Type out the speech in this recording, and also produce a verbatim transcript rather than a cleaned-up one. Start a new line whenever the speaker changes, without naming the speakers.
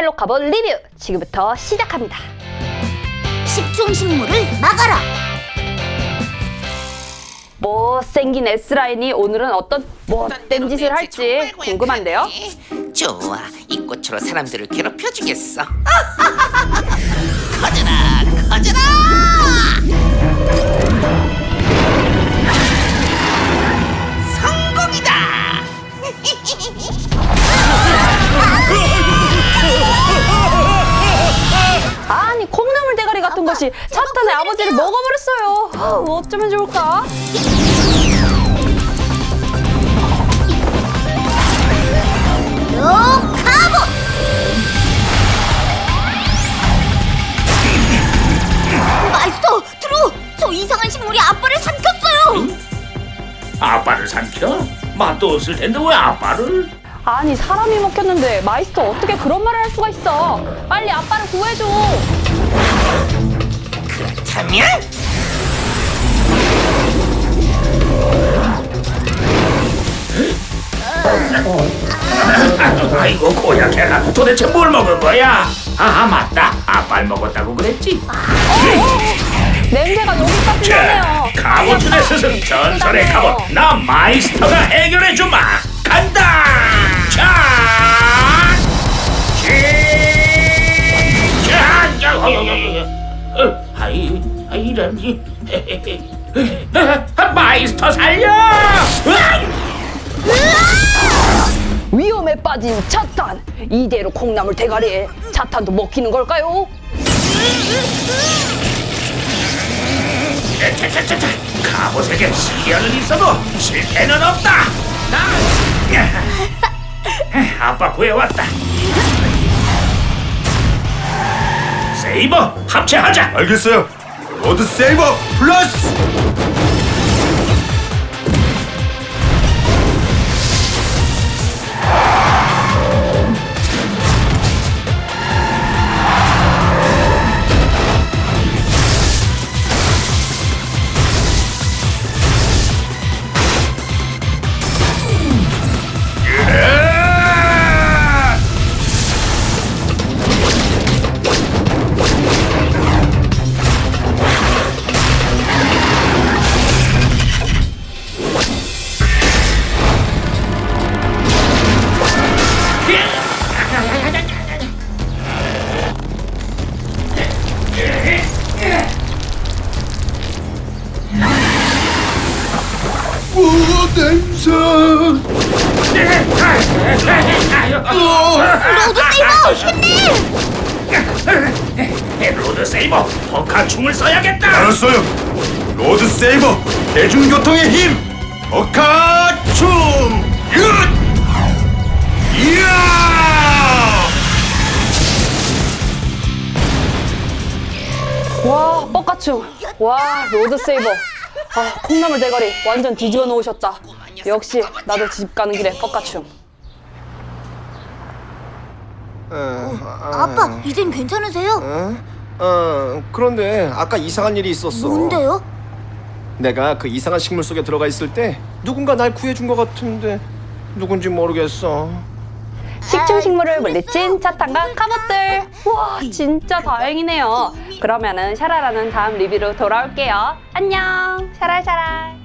샬롯 카봇 리뷰 지금부터 시작합니다.
식충식물을 막아라.
못생긴 S라인이 오늘은 어떤 못된 짓을 할지 궁금한데요.
좋아, 이 꽃으로 사람들을 괴롭혀주겠어. 커져라, 커져라! 성공이다!
아니 콩나물 대가리 같은 것이 사탄의 아버지를 먹어버렸어요. 아, 뭐 어쩌면 좋을까?
요 카봇. 마이스터, 트루, 저 이상한 식물이 아빠를 삼켰어요.
아빠를 삼켜? 맛도 없을 텐데 왜 아빠를?
아니 사람이 먹혔는데 마이스터 어떻게 그런 말을 할 수가 있어? 빨리 아빠를 구해줘.
그렇다면
아이고 고약해라. 도대체 뭘 먹은 거야? 아 맞다. 아빠를 먹었다고 그랬지?
냄새가 여기까지
자,
나네요.
카봇의 스승 전설의 카봇 나 마이스터가 해결해주마. 간다. 자, 시작. 자, 어, 어, 어, 어, 아이, 아, 이런. 마이스터 살려.
위험에 빠진 차탄. 이대로 콩나물 대가리에 차탄도 먹히는 걸까요?
차차차차. 카봇에게 시련은 있어도 실패는 없다. 나 아빠 구해왔다. 세이버 합체하자.
알겠어요. 로드 세이버 플러스. 오 냄새.
로드 세이버, 힘내!
로드 세이버 버카충을 써야겠다.
알았어요. 로드 세이버 대중교통의 힘. 버카춤. 이야.
와 뻑가충. 와 로드세이버. 아 콩나물 대가리 완전 뒤집어 놓으셨다. 역시 나도 집 가는 길에 뻑가충.
아빠, 이젠 괜찮으세요?
어, 그런데 아까 이상한 일이 있었어.
뭔데요?
내가 그 이상한 식물 속에 들어가 있을 때 누군가 날 구해준 것 같은데 누군지 모르겠어.
식충식물을 물리친 차탄과 카봇들. 와 진짜 다행이네요. 그러면은 샤라라는 다음 리뷰로 돌아올게요. 안녕 샤랄샤랄.